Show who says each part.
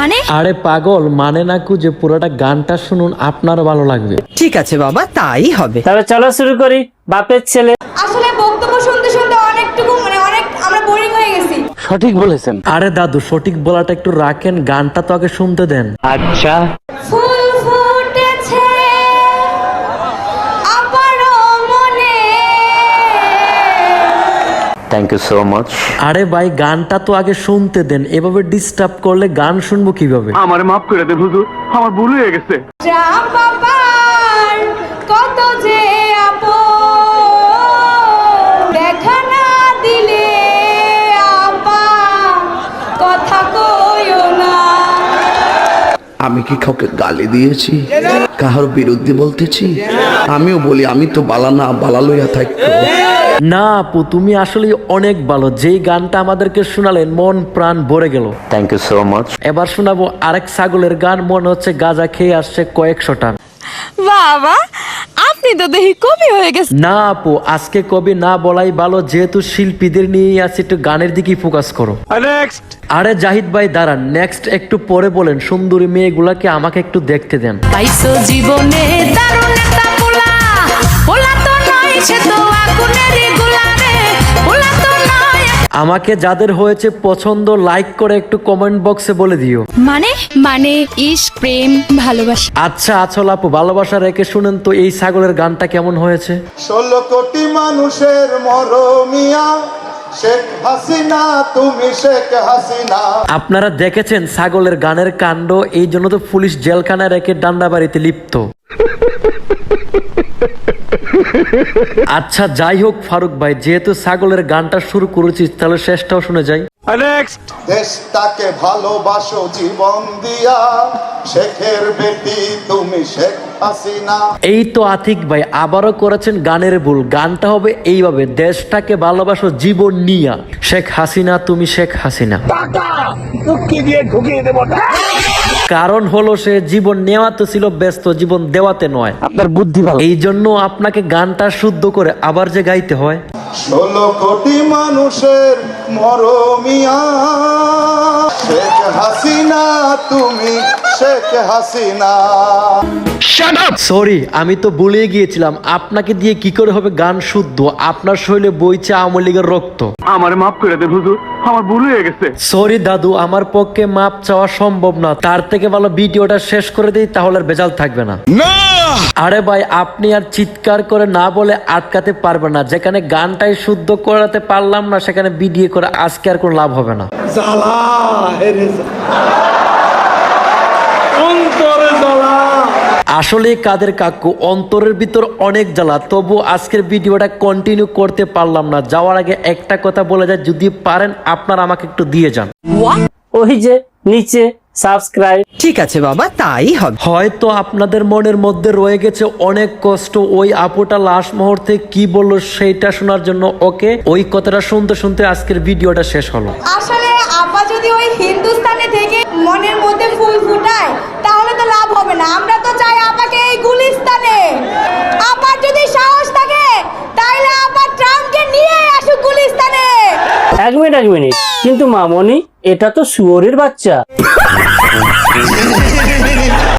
Speaker 1: মানে?
Speaker 2: আরে পাগল, মানে না যে পুরোটা গানটা শুনুন, আপনার ভালো লাগবে।
Speaker 3: ঠিক আছে বাবা, তাই হবে।
Speaker 4: তবে চলো শুরু করি। বাপের ছেলে।
Speaker 1: আসলে বক্তব্য শুনতে শুনতে অনেকটুকু অনেক আমরা বোরিং হয়ে গেছি।
Speaker 4: সঠিক বলেছেন।
Speaker 2: আরে দাদু, সঠিক বলাটা একটু রাখেন, গানটা তো আগে শুনতে দেন।
Speaker 4: আচ্ছা।
Speaker 1: ফুল ফুটেছে আমারও মনে।
Speaker 4: Thank you so much.
Speaker 2: আরে ভাই, গানটা তো আগে শুনতে দেন, এভাবে ডিস্টার্ব করলে গান শুনবো কিভাবে?
Speaker 5: আমারে মাফ করে দেন হুজুর, আমার ভুল হয়ে গেছে।
Speaker 1: রাম বাবার কত যে আপন, দেখা না দিলে আপা কথা কইও না।
Speaker 6: আমি কি কাউকে গালি দিয়েছি, কাহার বিরুদ্ধে বলতেছি? আমিও বলি আমি তো বালা না, বালা লইয়া থাকতো।
Speaker 2: না আপু, তুমি আসলে অনেক ভালো। যেই গানটা আমাদেরকে শোনালেন, মন প্রাণ ভরে গেল।
Speaker 4: Thank you so much.
Speaker 2: এবার শোনাবো আরেক ছাগলের গান, মনে হচ্ছে গাঁজা খেয়ে আসছে কয়েকশো টান।
Speaker 1: বাবা, আপনি তো দেখি কবি হয়ে গেছেন।
Speaker 2: না আপু, আজকে কবি না বলাই ভালো, যেহেতু শিল্পীদের নিয়েই আছে, একটু গানের দিকেই ফোকাস করো। আরে জাহিদ ভাই দাঁড়ান, নেক্সট একটু পরে বলেন। সুন্দরী মেয়েগুলাকে আমাকে একটু দেখতে দেন।
Speaker 1: পাইছো জীবনে দারুণ একটা পোলা, পোলা তো নয় সে তো আগুনেরই গোলা রে, পোলা তো নয়।
Speaker 2: আমাকে যাদের হয়েছে পছন্দ, লাইক করে একটু কমেন্ট বক্সে বলে দিও।
Speaker 1: মানে ইশক, প্রেম, ভালোবাসা।
Speaker 2: আচ্ছা আচল আপু, ভালোবাসা রেখে শুনেন তো এই ছাগলের গানটা কেমন হয়েছে।
Speaker 7: 16 কোটি মানুষের মরমিয়া, শেখ হাসিনা তুমি শেখ হাসিনা।
Speaker 2: আপনারা দেখেছেন ছাগলের গানের কাণ্ড, এই জন্য তো পুলিশ জেলখানায় রেখে ডান্ডা বাড়িতে লিপ্ত। আচ্ছা যাই হোক ফারুক ভাই, যেহেতু ছাগলের গানটা শুরু করেছিস, তাহলে শেষটাও শুনে যাই।
Speaker 7: দেশটাকে ভালোবাসো জীবন দিয়া, শেখের বেটি তুমি শেখ হাসিনা।
Speaker 2: এই তো আতিক ভাই আবারও করেছেন গানের ভুল। গানটা হবে এইভাবে, দেশটাকে ভালোবাসো জীবন নিয়া, শেখ হাসিনা তুমি শেখ হাসিনা। কারণ হলো সে জীবন নেওয়া তো ছিল ব্যস্ত, জীবন দেওয়াতে নয়।
Speaker 4: আপনার বুদ্ধি ভালো।
Speaker 2: এই জন্য আপনাকে গানটা শুদ্ধ করে আবার যে গাইতে হয়।
Speaker 7: 16 কোটি মানুষের মরমিয়া, শেখ হাসিনা তুমি শেখ হাসিনা।
Speaker 2: সরি, আমি তো ভুলে গিয়েছিলাম। আপনাকে দিয়ে কি করে হবে গান শুদ্ধ? আপনার শরীরে বইছে আওয়ামী লীগের রক্ত।
Speaker 5: আমারে মাফ করে দেন হুজুর, আমার ভুল হয়ে গেছে।
Speaker 2: সরি দাদু, আমার পক্ষে মাপ চাওয়া সম্ভব না। তার থেকে ভালো ভিডিওটা শেষ করে দিই, তাহলে আর বেজাল থাকবে না। আরে ভাই, আপনি আর চিৎকার করে না বলে আটকাতে পারবেন না। যেখানে গানটাই শুদ্ধ করাতে পারলাম না, সেখানে ভিডিও করে আজকে আর কোনো লাভ হবে না। আসলে কাদের কাকু, অন্তরের ভিতর অনেক জ্বালা, তবু আজকের ভিডিওটা কন্টিনিউ করতে পারলাম না। যাওয়ার আগে একটা কথা বলে যায়, যদি পারেন আপনারা আমাকে একটু দিয়ে যান।
Speaker 4: ওই যে নিচে সাবস্ক্রাইব।
Speaker 3: ঠিক আছে বাবা, তাই হবে।
Speaker 2: হয়তো আপনাদের মনের মধ্যে রয়ে গেছে অনেক কষ্ট, ওই আপুটা লাস্ট মুহূর্তে কি বললো সেইটা শোনার জন্য। ওকে, ওই কথাটা শুনতে শুনতে আজকের ভিডিওটা শেষ হলো।
Speaker 1: আসলে আপা যদি ওই হিন্দুস্তানে থেকে মনের মধ্যে ফুল ফুটায়, তাহলে তো লাভ হবে না। আমরা তো চাই আপাকে এই গুলিস্তানে। আপার যদি সাহস থাকে, তাহলে আপা ট্রাম্পকে নিয়ে আসুক গুলিস্তানে।
Speaker 4: এক মিনিট, কিন্তু মামনি, এটা তো শুয়োরের বাচ্চা।